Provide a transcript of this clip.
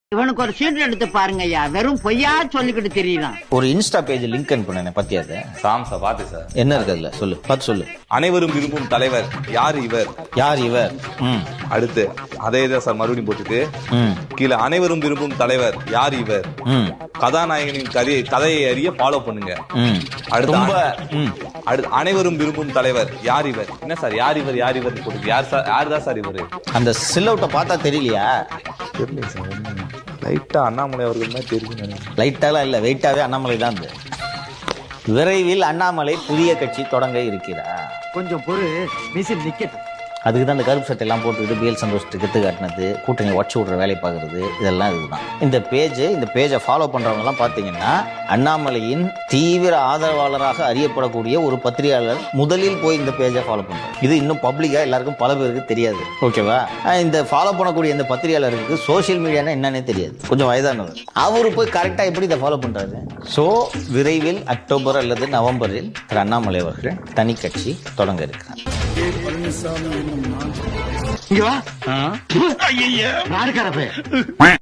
இவனுக்கு ஒரு சீட் எடுத்து பாருங்க ஐயா, வெறும் பொய்யா சொல்லிக்கிட்டு தெரியலாம். ஒரு இன்ஸ்டா பேஜ் லிங்க் அனுப்புனேன் பத்தியா அது? சார் பாத்து சார் என்ன இருக்கு அதுல? சொல்லு, பார்த்து சொல்லு. அனைவரும் விரும்பும் தலைவர் யார் இவர்? யார் இவர்? அடுத்து அதே தான் சார் மறுபடியும் போட்டுட்டு கீழே அனைவரும் விரும்பும் தலைவர் யார் இவர்? கதாநாயகனின் கதையை அறிய ஃபாலோ பண்ணுங்க. அடுத்து அனைவரும் விரும்பும் தலைவர் யார் இவர்? என்ன சார் யார் இவர் யார் இவர் போட்டு யார் தான் சார் இவரு? அந்த சில்லவுட்ட பார்த்தா தெரியலையா? தெரியல சார், லைட்டா அண்ணாமலை அவர்கள் தான் தெரியும். லைட்டாலாம் இல்ல, வெயிட்டாவே அண்ணாமலை தான். விரைவில் அண்ணாமலை புதிய கட்சி தொடங்க இருக்கிறார். கொஞ்சம் பொறு, மிஷின் நிக்கட்டும். அதுக்கு தான் இந்த கருப்பு சட்டை எல்லாம் போட்டுக்கிட்டு பிஎல் சந்தோஷத்துக்கு கெத்து காட்டினது, கூட்டணி உடச்சு விடுற வேலை பார்க்கறது, இதெல்லாம் இதுதான். இந்த பேஜை ஃபாலோ பண்றவங்க எல்லாம் பாத்தீங்கன்னா அண்ணாமலையின் தீவிர ஆதரவாளராக அறியப்படக்கூடிய ஒரு பத்திரிகையாளர் முதலில் போய் இந்த பேஜை ஃபாலோ பண்றாரு. இது இன்னும் பப்ளிக்கா எல்லாருக்கும் பல பேருக்கு தெரியாது. ஓகேவா? இந்த ஃபாலோ பண்ணக்கூடிய இந்த பத்திரிகையாளருக்கு சோசியல் மீடியானா என்னன்னே தெரியாது. கொஞ்சம் வயதானவர். அவரு போய் கரெக்டா எப்படி இதை ஃபாலோ பண்றாரு? சோ விரைவில் அக்டோபர் அல்லது நவம்பரில் திரு அண்ணாமலை அவர்கள் தனி கட்சி தொடங்க இருக்கிறார். இங்க வா. நாடுகாரப்பே